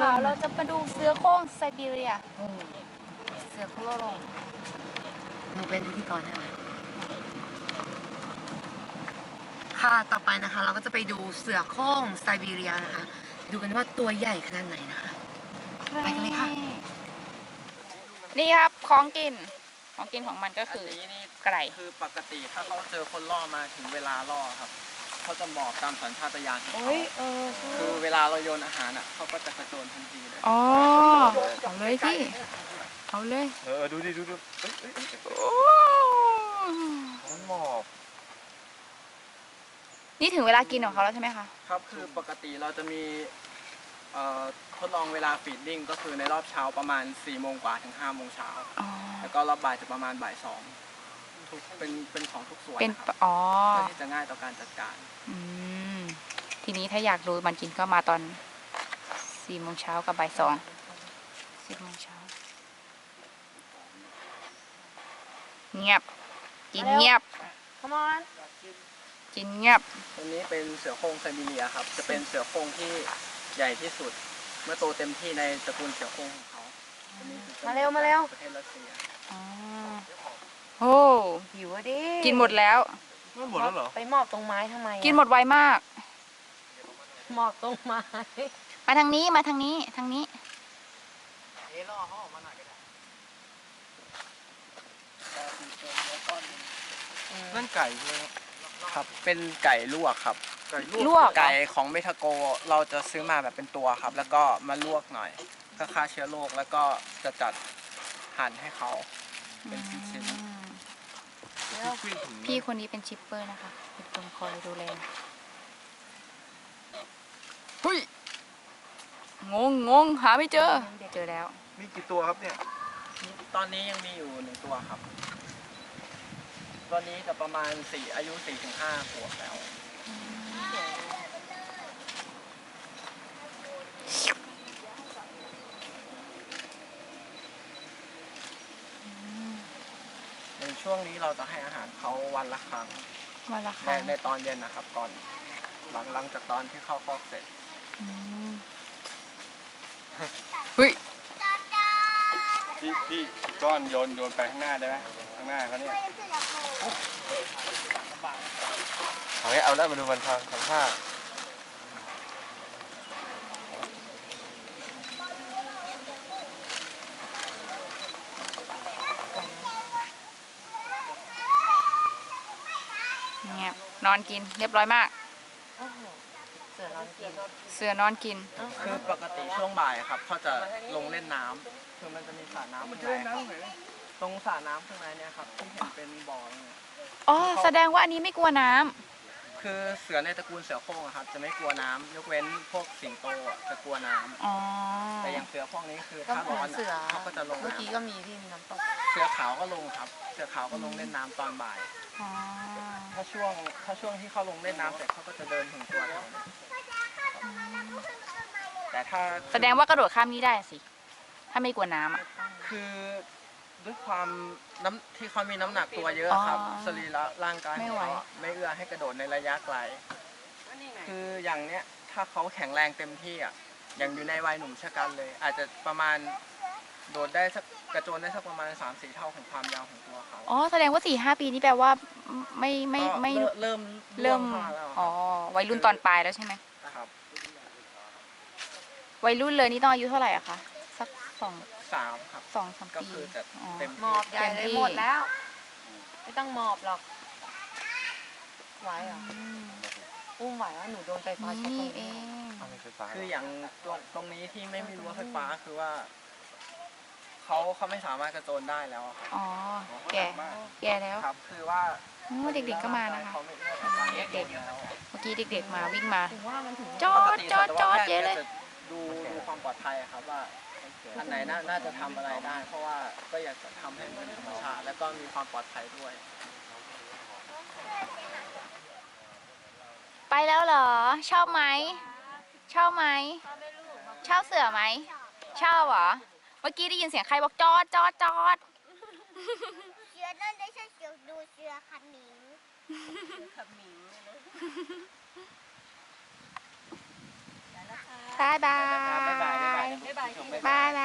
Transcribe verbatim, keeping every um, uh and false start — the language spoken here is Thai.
ค่ะเราจะมาดูเสือโคร่งไซบีเรียเสือโคร่งหนูเป็นพิธีกรใช่ไหมค่ะต่อไปนะคะเราก็จะไปดูเสือโคร่งไซบีเรียนะคะดูกันว่าตัวใหญ่ขนาดไหนนะคะไปกันเลยค่ะนี่ครับของกินของกินของมันก็คือนี้นี่ไก่คือปกติถ้าเขาเจอคนล่อมาถึงเวลาล่อครับเขาจะหมอบตามสัญชาตญาณของเขาโอ้ยเออคือเวลาเราโยนอาหารอ่ะเขาก็จะกระโจนทันทีเลยอ๋อเอาเลยพี่เอาเลยเออดูดิดูดูเอ้ยเอ้ยเอ้ยโอ้มันหมอบนี่ถึงเวลากินของเขาแล้วใช่ไหมคะครับคือปกติเราจะมีเอ่อทดลองเวลาฟีดดิ้งก็คือในรอบเช้าประมาณสี่โมงกว่าถึงห้าโมงเช้าอ๋อแล้วก็รอบบ่ายจะประมาณบ่ายสองทุกเป็นเป็นของทุกส่วนเป็นนะครับอ๋อเพื่อที่จะง่ายต่อการจัดการอืมทีนี้ถ้าอยากดูมันกินก็มาตอนสี่โมงเช้ากับบ่ายสองสิบโมงเช้าเงียบกินเงียบ Come on กินเงียบตัวนี้เป็นเสือโคร่งไซบีเรียครับ จะเป็นเสือโคร่งที่ใหญ่ที่สุด เมื่อโตเต็มที่ในตระกูลเสือโคร่งของเขาอันนี้คือมาเร็วมาเร็วประเทศรัสเซียอ๋อโอ้หิวอะดิกินหมดแล้วมันหมดแล้วเหรอไปหมอบตรงไม้ทำไมอะกินหมดไวมากหมอบตรงไม้มาทางนี้มาทางนี้ทางนี้เอล่อเขาออกมาหน่อยก็ได้นั่นไก่ใช่ไหมครับครับ เป็นไก่ลวกครับไก่ลวกไก่ของเมทาโกเราจะซื้อมาแบบเป็นตัวครับ แล้วก็มาลวกหน่อยเพื่อฆ่าเชื้อโรคแล้วก็จะจัดหั่นให้เขาเป็นชิ้นอืมพี่ถึงพี่คนนี้เป็นชิปเปอร์นะคะเป็นคนคอยดูแลเฮ้ยงงงงหาไม่เจอ เจอแล้วมีกี่ตัวครับเนี่ยๆตอนนี้ยังมีอยู่หนึ่งตัวครับ ตอนนี้จะประมาณสี่อายุสี่ถึงห้าขวบแล้ว ในช่วงนี้เราจะให้อาหารเขาวันละครั้งวันละคในรั้งในตอนเย็นนะครับก่อนหลังหลังจากตอนที่เข้าคอกเสร็จอืมเฮ้ยพี่พี่ก้อนโยนโยนไปข้างหน้าได้ไหมข้างหน้าเขาเนี่ยเอาให้เอาแล้วมาดูมันทางทำท่าเงียบนอนกินเรียบร้อยมากโอ้โหเสือนอนกินเสือนอนกินคือปกติช่วงบ่ายครับเขาจะลงเล่นน้ำคือมันจะมีสระน้ำข้างในตรงสระน้ำข้างในเนี่ยครับที่เห็นเป็นบ่อเนี่ยอ๋อ แสดงว่าอันนี้ไม่กลัวน้ำคือเสือในตระกูลเสือโคร่งอะครับจะไม่กลัวน้ำยกเว้นพวกสิงโตอะจะกลัวน้ำอ๋อแต่อย่างเสือพวกนี้คือก็ถ้าเหมืร้ออน นเสืออะเขาก็จะลงเมื่อกี้น้ำก็มีที่มีน้ำตกเสือขาวก็ลงครับ เสือขาวก็ลงเล่นน้ำตอนบ่ายอ๋อถ้าช่วงถ้าช่วงที่เขาลงเล่นน้ำเสร็จเขาก็จะเดินถึงตัวเราแต่ถ้าแสดงว่ากระโดดข้ามนี้ได้สิ ถ้าไม่กลัวน้ำอ่ะคือด้วยความน้ำที่เขามีน้ำหนักตัวเยอะครับอ๋อสรีระร่างกายไม่ของไหวเขาอะไม่เอื้อให้กระโดดในระยะไกล คืออย่างเนี้ยถ้าเขาแข็งแรงเต็มที่อ่ะอย่างอยู่ในวัยหนุ่มชะกันเลย อาจจะประมาณโดดได้สักกระโจนได้สักประมาณสามสี่เท่าของความยาวของตัวเขาอ๋อ แสดงว่าสี่ห้าปีนี่แปลว่าไม่ไม่ก็ไม่เริ่มเริ่มล่วงเข้าาแล้วอ๋อ วัยรุ่นตอนปลายแล้วใช่ไหมครับวัยรุ่นเลยนี่ต้องอายุเท่าไหร่อะคะ สักสองสามครับสองสามก็ปีคือจะอ๋อเต็มหมอบใหญ่เลยหมดแล้ว ไม่ต้องหมอบหรอก ไหวเหรออืมอุ้มไหวว่าหนูโดนไฟฟ้าช็อตตรนี่งเอนี้งเอาไม่ไฟฟ้าคืออย่างตรงตรงนี้ที่ไม่มีรั้วไฟฟ้าคือว่าเขาเขาไม่สามารถกระโจนได้แล้วอะครับอ๋อ แก่แก่แล้วครับ คือว่าโอ้เด็กๆก็มานะคะเขาไม่เอื้อต่อการกระโจนแล้วเมื่อกี้เด็กๆมาวิ่งมาถึงว่ามันถึงจอปกดติจอดจอดสัตวแพทเยอะเลยจะดูดูความปลอดภัยอะครับว่าอันไหนน่าน่าจะทำอะไรได้ เพราะว่าก็อยากจะทำให้มันเป็นธรรมชาติแล้วก็มีความปลอดภัยด้วยไปแล้วเหรอ ชอบไหม ชอบไหม ชอบเสือไหม ชอบเหรอ เมื่อกี้ได้ยินเสียงใครบอกจอดจอดจอดเสือนั่นไม่ใช่เสือดูเสือขมิงบายบาบ๊ายบายบ๊ายบายยบายบาย